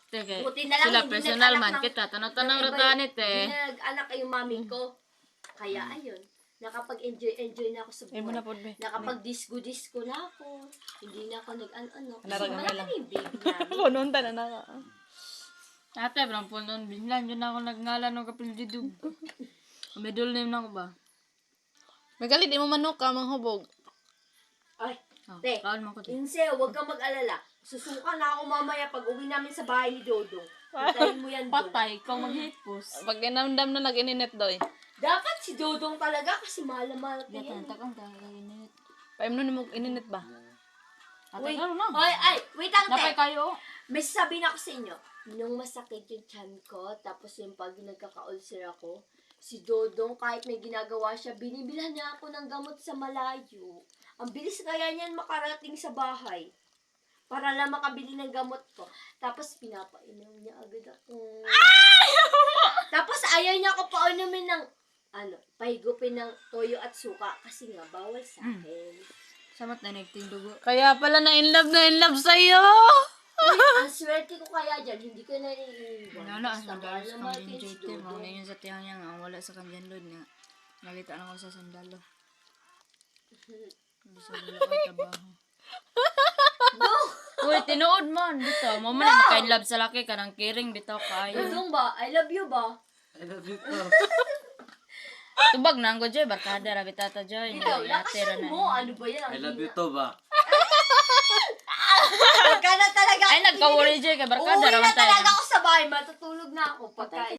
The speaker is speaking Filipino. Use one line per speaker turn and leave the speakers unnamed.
Sige,
Buti na lang
sila
hindi
personal
nag-anak
man
ng-
kita. Tanaw-tanaw
ng
ra
iba-
tanit eh.
Hindi na nag-anak yung mami ko. Kaya ayun, nakapag-enjoy na ako sa
Ay mo na
buhay.
po, be.
Nakapag-disco-disco na ako. Hindi na ako nag-ano. Kasi
Naragamay
malaki
lang.
na yung baby namin.
Pununta na na.
Ate, parang po noon, binlan yun ako nagngalan ng kapildidug. Middle name na ko ba?
Magali, di mo manok ka, manghubog.
Ay,
Oh,
te,
kaon mo ko te.
Inse, huwag kang mag-alala. Susuka na ako mamaya pag uwi namin sa bahay ni Dodong. Hintayin mo yan doon.
Patay, ikaw maghipos.
Pag inamdam na nag-ininet doy.
Dapat si Dodong talaga kasi mahal na mahal ko yan.
Gatan, takang tagaginit.
Paim nun mo ininet ba?
Ate,
Wait,
ano na?
wait lang,
Napay
te.
kayo.
May sasabihin ako sa inyo. Nung masakit yung tiyan ko, tapos yung pag nagkaka-ulcer ako, si Dodong, kahit may ginagawa siya, binibilhan niya ako ng gamot sa malayo. Ang bilis kaya niyan makarating sa bahay. Para lang makabili ng gamot ko. Tapos pinapainom niya agad ako. Tapos ayaw niya ako paunumin ng, pahigupin ng toyo at suka. Kasi nga, bawal sa akin.
Samat na nagting dugo.
Kaya pala na in love sa'yo.
Uy, ang swerte ko kaya dyan, hindi ko na naiiwan.
Nala,
Basta
ang
mahal
sandalo
na
sa
mahal
kang
ko yung si
enjoy te. Mga
Dodong.
ngayon sa tiyan niya nga, wala sa kanyan load nga. Nakita na ko sa sandalo. Bisa wala kay trabaho.
No!
Uy, tinuod man. Dito, mo man na makain love sa laki ka ng kiring. Dito kayo.
Dodong ba? I love you ba?
Tubag na ang godjoy. Barkada, rabitata joy.
Ikaw, lakasan mo. Ano ba yan?
I love you to ba?
Huwag ka na talaga.
Ay, nagka-worry joy kay barkada.
Uuwi na
Raman tayo.
talaga ako sa bahay. Matutulog na ako. Pagka